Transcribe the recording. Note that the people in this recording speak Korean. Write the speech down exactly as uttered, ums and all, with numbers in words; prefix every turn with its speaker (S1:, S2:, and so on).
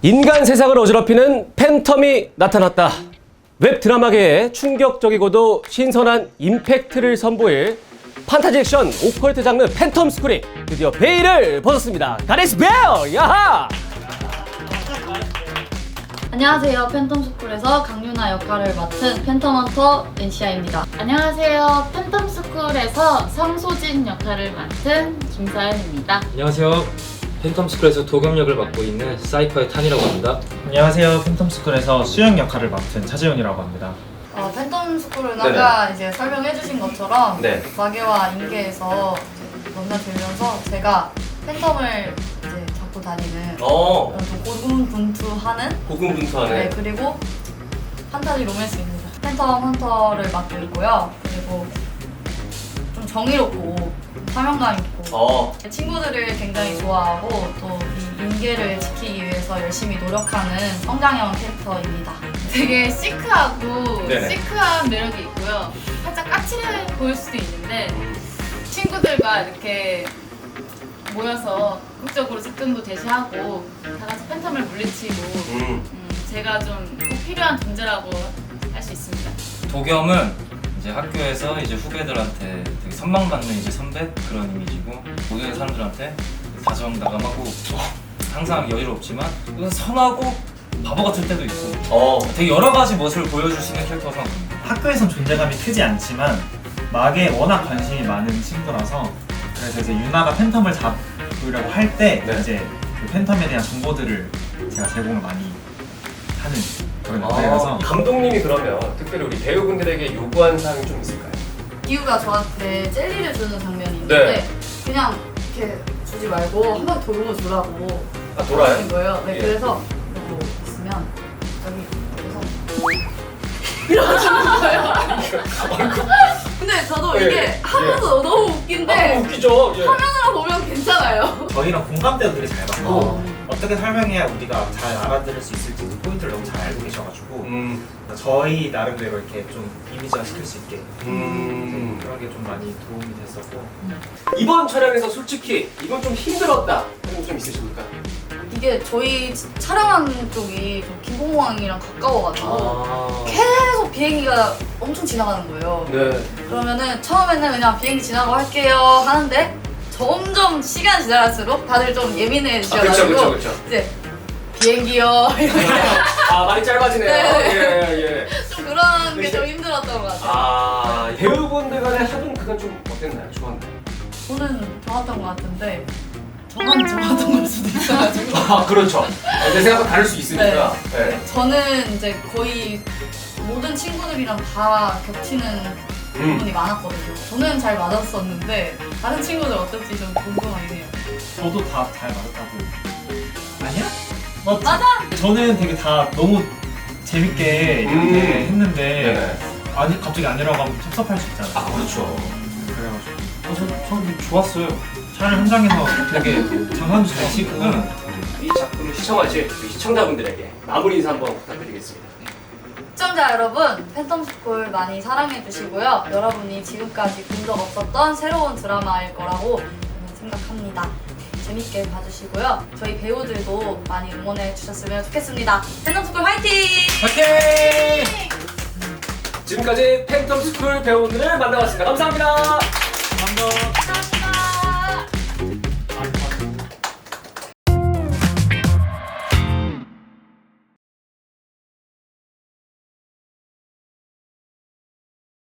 S1: 인간 세상을 어지럽히는 팬텀이 나타났다. 웹 드라마계에 충격적이고도 신선한 임팩트를 선보일 판타지 액션 오컬트 장르 팬텀 스쿨이 드디어 베일을 벗었습니다. 가레스 베일! 야하!
S2: 안녕하세요. 팬텀스쿨에서 강유나 역할을 맡은 팬텀헌터 엔시아입니다.
S3: 안녕하세요. 팬텀스쿨에서 성소진 역할을 맡은 김서연입니다.
S4: 안녕하세요. 팬텀스쿨에서 도겸 역을 맡고 있는 사이퍼의 탄이라고 합니다.
S5: 안녕하세요. 팬텀스쿨에서 수영 역할을 맡은 차재훈이라고 합니다.
S2: 어, 팬텀스쿨은
S1: 네네.
S2: 아까 이제 설명해주신 것처럼
S1: 네.
S2: 마계와 인계에서 넘나들면서 제가 팬텀을 이제 잡고 다니는
S1: 어,
S2: 그런 좀 고군분투하는
S1: 고군분투하네.
S2: 네, 그리고 판타지 로맨스입니다. 팬텀 헌터를 맡고 있고요. 그리고 좀 정의롭고 사명감 있고
S1: 어,
S2: 친구들을 굉장히 좋아하고 또 이 인계를 지키기 위해서 열심히 노력하는 성장형 캐릭터입니다.
S3: 되게 시크하고
S1: 네네.
S3: 시크한 매력이 있고요. 살짝 까칠해 보일 수도 있는데 친구들과 이렇게 모여서 극적으로 접근도 제시하고 다 같이 팬텀을 물리치고
S1: 음,
S3: 음, 제가 좀 꼭 필요한 존재라고 할 수 있습니다.
S6: 도겸은 이제 학교에서 이제 후배들한테 되게 선망받는 이제 선배 그런 이미지고 모든 사람들한테 다정다감하고 항상 여유롭지만 선하고 바보 같을 때도 있고
S1: 어,
S6: 되게 여러 가지 모습을 보여줄 수 있는 캐릭터라고 생각합니다.
S5: 학교에선 존재감이 크지 않지만 막에 워낙 관심이 많은 친구라서 그래서 이제 유나가 팬텀을 잡으려고 할 때
S1: 네.
S5: 이제 그 팬텀에 대한 정보들을 제가 제공을 많이 하는 그런
S1: 아,
S5: 역할이라서
S1: 감독님이 그러면 특별히 우리 배우분들에게 요구한 사항이 좀 있을까요?
S2: 기우가 저한테 젤리를 주는 장면이 있는데
S1: 네.
S2: 그냥 이렇게 주지 말고 한 번 돌고 주라고
S1: 아, 돌아요?
S2: 하는 거예요. 네,
S1: 예.
S2: 그래서 이러고 있으면 여기 그래서 이러고 주는 거예요. 근데 저도
S1: 예,
S2: 이게
S1: 예.
S2: 하면서 너무
S1: 아,
S2: 웃긴데
S1: 웃기죠? 예.
S2: 화면으로 보면 괜찮아요.
S5: 저희랑 공감대도 되게 잘 맞고
S1: 어.
S5: 어떻게 설명해야 우리가 잘 알아들을 수 있을지 그 포인트를 너무 잘 알고 계셔가지고
S1: 음,
S5: 저희 나름대로 이렇게 좀 이미지화 시킬 수 있게
S1: 음.
S5: 그런 게 좀 많이 도움이 됐었고
S1: 이번 촬영에서 솔직히 이건 좀 힘들었다 하는 거 좀 있으십니까?
S2: 이게 저희 촬영한 쪽이 좀 김포공항이랑 가까워가지고
S1: 아,
S2: 계속 비행기가 엄청 지나가는 거예요.
S1: 네.
S2: 그러면은 처음에는 그냥 비행기 지나고 할게요 하는데 점점 시간 지날수록 다들 좀
S1: 아, 그쵸,
S2: 예민해지셔가지고
S1: 그쵸, 그쵸.
S2: 이제 비행기요 이렇게
S1: 아, 많이 짧아지네요.
S2: 네.
S1: 예, 예.
S2: 좀 그런 게 좀 힘들었던 것 같아요.
S1: 아, 배우분들 간의 합은 그건 좀 어땠나요? 좋았나요?
S2: 저는 좋았던 것 같은데 저만 좋았던 걸 수도 있어가지고
S1: 아, 그렇죠. 내 생각과 다를 수 있으니까. 네.
S2: 저는 이제 거의 모든 친구들이랑 다 겹치는
S1: 음.
S2: 부분이 많았거든요. 저는 잘 맞았었는데 다른 친구들 어떨지 좀 궁금하긴 해요.
S5: 저도 다 잘 맞았다고 아니야? 맞지?
S2: 맞아!
S5: 저는 되게 다 너무 재밌게 이렇게
S1: 음.
S5: 했는데
S1: 네네.
S5: 아니 갑자기 아니라고 하면 섭섭할 수 있잖아요.
S1: 아, 그렇죠.
S5: 그래가지고
S6: 어, 저, 저는 좋았어요.
S5: 촬영 현장에서 되게 장난도 잘 치고
S1: 이 작품을 시청하실 우리 시청자분들에게 마무리 인사 한번 부탁드리겠습니다.
S2: 시청자 여러분, 팬텀스쿨 많이 사랑해주시고요. 여러분이 지금까지 본 적 없었던 새로운 드라마일 거라고 저는 생각합니다. 재밌게 봐주시고요. 저희 배우들도 많이 응원해 주셨으면 좋겠습니다. 팬텀스쿨 화이팅!
S1: 파이팅! 지금까지 팬텀 스쿨 배우분들을 만나봤습니다. 감사합니다.
S5: 감사합니다.